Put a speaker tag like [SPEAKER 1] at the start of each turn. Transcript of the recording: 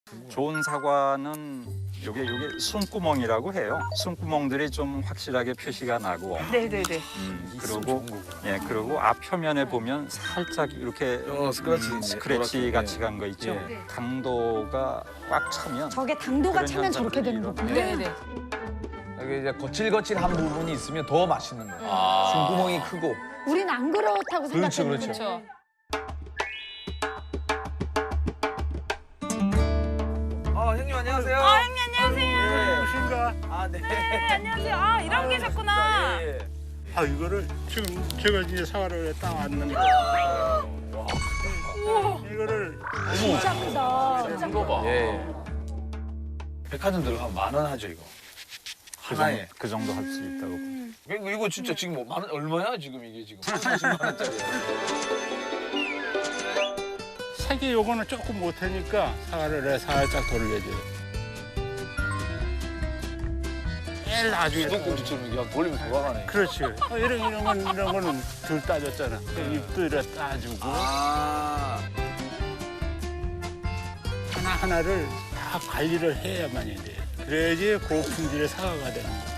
[SPEAKER 1] 좋은 사과는 요게 숨구멍이라고 해요. 숨구멍들이 좀 확실하게 표시가 나고.
[SPEAKER 2] 네네네.
[SPEAKER 1] 그리고 그리고 앞 표면에 보면 살짝 이렇게 스크래치 같이 간 거 있죠.
[SPEAKER 2] 네.
[SPEAKER 1] 당도가 꽉 차면
[SPEAKER 3] 저게 당도가
[SPEAKER 1] 그런
[SPEAKER 3] 차면 저렇게 되는
[SPEAKER 1] 현상들이
[SPEAKER 3] 거구나.
[SPEAKER 2] 네네.
[SPEAKER 4] 이게 이제 거칠거칠한 부분이 있으면 더 맛있는 거예요.
[SPEAKER 5] 아.
[SPEAKER 4] 숨구멍이 크고.
[SPEAKER 3] 우린 안 그렇다고
[SPEAKER 4] 그렇죠,
[SPEAKER 3] 생각했는데.
[SPEAKER 2] 그렇죠.
[SPEAKER 4] 형님 안녕하세요.
[SPEAKER 2] 형님 안녕하세요.
[SPEAKER 6] 무엇인가?
[SPEAKER 4] 네.
[SPEAKER 2] 안녕하세요. 아 이러고 계셨구나.
[SPEAKER 6] 아 이거를 지금 제가 이제 사과를 따왔는데 이거를
[SPEAKER 3] 진짜 크다.
[SPEAKER 5] 이거 봐.
[SPEAKER 4] 예. 백화점 들어가면 10,000원 하죠 이거. 하나에.
[SPEAKER 1] 그 정도 할 수 있다고.
[SPEAKER 4] 이거 진짜 지금 뭐 만 원 얼마야 지금 이게 지금 30만 원짜리.
[SPEAKER 6] 색이 요거는 조금 못하니까 사과를 살짝 돌려줘요. 제일 나중에
[SPEAKER 4] 수도꼭지처럼 이게 한 돌리면 돌아가네.
[SPEAKER 6] 그렇지. 이런 거는 덜 따졌잖아. 잎도 이렇게 따주고
[SPEAKER 4] 아.
[SPEAKER 6] 하나하나를 다 관리를 해야만이 돼. 그래야지 고품질의 사과가 되는 거야.